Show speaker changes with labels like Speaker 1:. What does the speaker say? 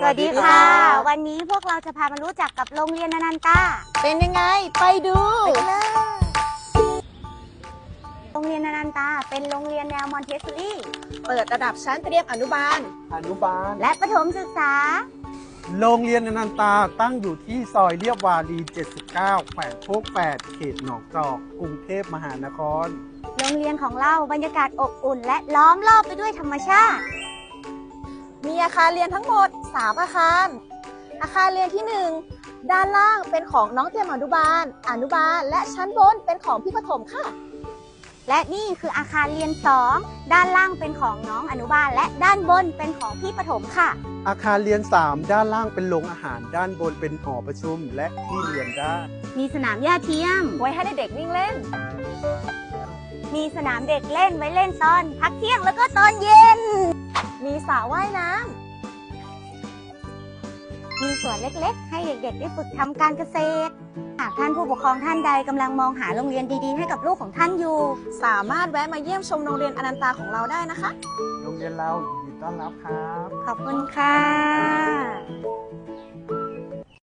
Speaker 1: สวัสดีค่ะวันนี้พวกเราจะพามารู้จักกับโรงเรียนอนันตา
Speaker 2: เป็นยังไงไปดู
Speaker 1: โรงเรียนอนันตาเป็นโรงเรียนแนวมอนเทสซอรี่
Speaker 2: เปิดระดับชั้นเตรียมอนุบาล
Speaker 1: และประถมศึกษา
Speaker 3: โรงเรียนอนันตาตั้งอยู่ที่ซอยเรียบวารี79แขวงโคก8เขตหนองจอกกรุงเทพมหานคร
Speaker 1: โรงเรียนของเราบรรยากาศอบอุ่นและล้อมรอบไปด้วยธรรมชาติ
Speaker 2: มีอาคารเรียนทั้งหมด3อาคารอาคารเรียนที่1ด้านล่างเป็นของน้องเตรียมอนุบาลและชั้นบนเป็นของพี่ประถมค่ะ
Speaker 1: และนี่คืออาคารเรียน2ด้านล่างเป็นของน้องอนุบาลและด้านบนเป็นของพี่ประถมค่ะ
Speaker 3: อาคารเรียน3ด้านล่างเป็นโรงอาหารด้านบนเป็นหอประชุมและที่เรียนได้
Speaker 1: มีสนามหญ้าเทียม
Speaker 2: ไว้ให้เด็กๆวิ่งเล่น
Speaker 1: มีสนามเด็กเล่นไว้เล่นตอนพักเที่ยงแล้วก็ตอนเย็น
Speaker 2: มีสระว่ายน้
Speaker 1: ำมีสวนเล็กๆให้เด็กๆได้ฝึกทำการเกษตรหากท่านผู้ปกครองท่านใดกำลังมองหาโรงเรียนดีๆให้กับลูกของท่านอยู่
Speaker 2: สามารถแวะมาเยี่ยมชมโรงเรียนอนันตาของเราได้นะคะ
Speaker 3: โรงเรียนเรายินดีต้อนรับครับ
Speaker 1: ขอบคุณค่ะ